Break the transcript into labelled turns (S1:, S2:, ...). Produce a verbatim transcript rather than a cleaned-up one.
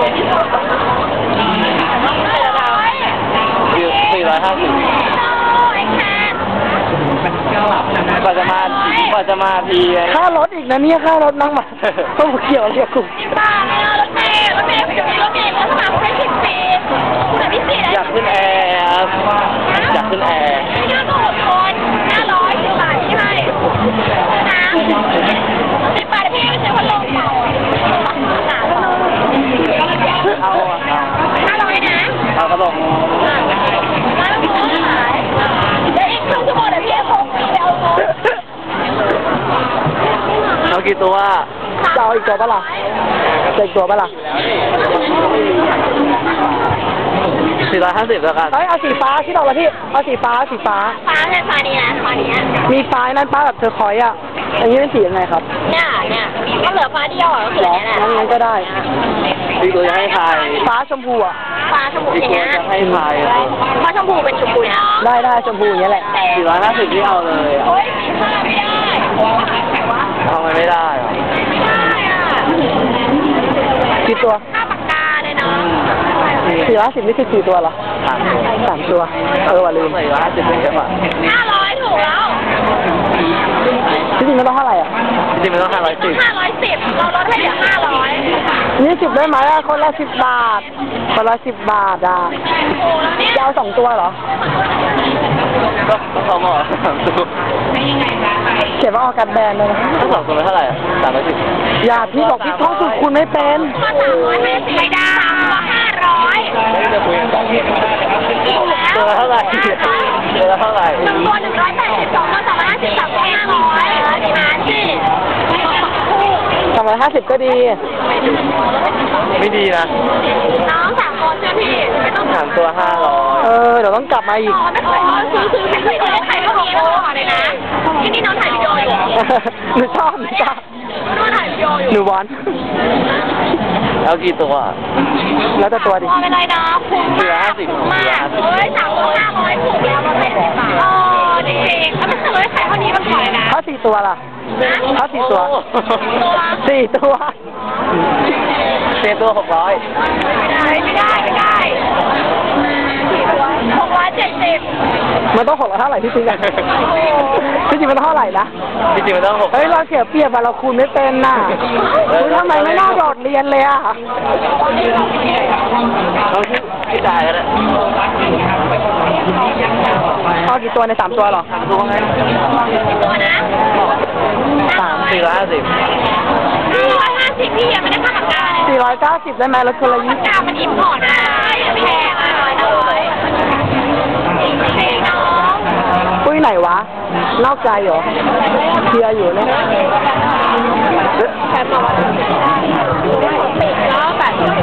S1: สี่ร้อยห้าสิบกว่าจะมา กว่าจะมาที
S2: ค่ารถอีกนะเนี่ยค่ารถนั่งมาต้องเกี่ยวเรียกกลุ่ม
S3: รถเมล์รถเมล์รถเมล์รถสมัครใช้สิบปีแต่พิเศษ
S1: อยากขึ้นแอร์ครับอยากขึ้นแอร์
S3: ห้าหกคนห้าร้อยสิบบาทใช่ไหมนะสิบบาทพี่ใช้พัดลมเป่า
S1: เอา
S3: ห้าร้อยนะ
S1: เอาพัดลม
S3: มาแล้วผมขายเดี๋ยวอีกครึ่งชั่วโมงเดี๋ยวพี่เอาของไปเอาของ
S1: เอากี่ตัว
S2: จะเอาอีกตัวปะล่ะจะอีกตัวปะล่ะ
S1: สี่ร้อยห้าสิบแล้วกัน
S2: เฮ้ยเอาสีฟ้าที่บอกว่าที่เอาสีฟ้าสีฟ้า
S3: ฟ้าใช่ฟ้านี้นะฟ้านี้
S2: มีฟ้านั่นป้าแบบเธอคอยอ่ะอันนี้เป็นสียังไงครับ
S3: เนี่ยเนี่ยก็เหลือฟ้าเดียวอ่ะก็คือเนี่ย
S2: งั้นงั้นก็ได้
S1: อีกตัวจะให้ทาย
S2: ฟ้าชมพูอ่ะ
S3: ฟ้าชมพูอย่างเงี้ย
S1: จะให้ทาย
S3: ฟ้าชมพูเป็นชมพูนะ
S2: ได้ได้ชมพูอย่างเงี้ยแหละ
S1: สี่ร้อยห้าสิบที่เอาเลย
S3: โอ้ยไม่ได้
S1: ทำไมไม่ได้
S3: ไม่ได้อ่ะ
S2: กี่ตัว
S3: ห้าปากกาเลยเนาะ
S2: สี่ร้อยสิบนี่คือกี่ตัวเหรอ
S1: สามตัว
S2: สามตัวเออว่าลืม
S1: สี่ร้อยห้าสิบเป็นเยอะกว่า
S3: ห้าร้อยถูกแล้ว
S2: จริงๆมันต้องเท่าไหร่อ่ะ
S1: จริงๆมันต้องห้าร้อยสิบ
S3: ห้าร้อยสิบเราลดให้เหลือห้าร้อย
S2: นี่สิบได้ไหมอ่ะคนละสิบบาทคนละสิบบาทอ่ะจะเอาสองตัวเหรอ
S1: ก็สองหม้อสามตัว
S2: เขียนว่าออกกันแบนเลยนะ
S1: ทั้งสองตัวเท่าไหร่สามร้อยสิบ
S2: อย่าพี่บอกพี่ท่องสูตรคุณไม่เป็น
S3: สามร้อยห้าสิบไม่ได้ห้าร้อย
S1: ตัวเท่าไหร่ตัวเท่าไหร่
S3: หนึ่งตัวหนึ่งร้อยแปดสิบสองตัวสองร้อยห้าสิบสามตัวห้าร้อยดีมาที่
S2: สองร้อยห้าสิบก็ดี
S1: ไม่ดีนะ
S3: น้องสามคนใช่พี่ไม่ต้อง
S1: สามตัวห้าร้อย
S2: เออเดี๋ยวต้องกลับมาอีก
S3: ไม่เคยซื้อซื้อไม่เคยได้ถ่ายก็มีแล้วเลยนะที่นี่น้องถ่ายวิดีโออยู่
S2: หนูชอบหนูชอบ
S3: น้องถ่ายวิดีโออยู่
S2: หนูวอน
S1: แล้วกี่ตัว
S2: แล้วแต่ตัวดิ
S3: ไม่เป็นไรนะคุ้มมากคุ้มมากเฮ้ยสามตัวห้าร้อยถูกแล้วเราไม่สิบบาทเออจริงๆแล้วมันเคยขายเท่านี้มันขายนะ
S2: ถ้าสี่ตัวล่ะถ้าสี่ตัวสี่ตัว
S1: สี่ตัวหกร้อย
S3: ไม่ได้ไม่ได้ไม่ได้หกร้อยเจ็ดสิบ
S2: มันต้องหกร้อยเท่าไหร่ที่ซื้อกันที่จริงมันต้องเท่าไหร่นะ
S1: จริงๆมันต้องหก
S2: เฮ้ยเราเสียเปรียบอะเราคูณไม่เป็นน่ะทำไมไม่น่าโดดเรียนเลยอะ
S1: เราไม่จ่ายกันแล้ว
S2: เอากี่ตัวในสามตัวหรอ
S1: สามตัวไง
S3: ตัวนะ
S1: สามสี่ร้อยห้าสิบ
S3: สี่ร้อยห้าสิบพี่ยังไม่ได้ค่าปากกาเลย
S2: สี่ร้อยเก้าสิบได้ไหมรถคนละยี่สิบ
S3: ปากกามันอิมพอร์ตได้แพงอ่ะเลยจริงๆน้อง
S2: ปุ้ยไหนวะนอกใจเหรอเคลียร์อยู่เนี่ย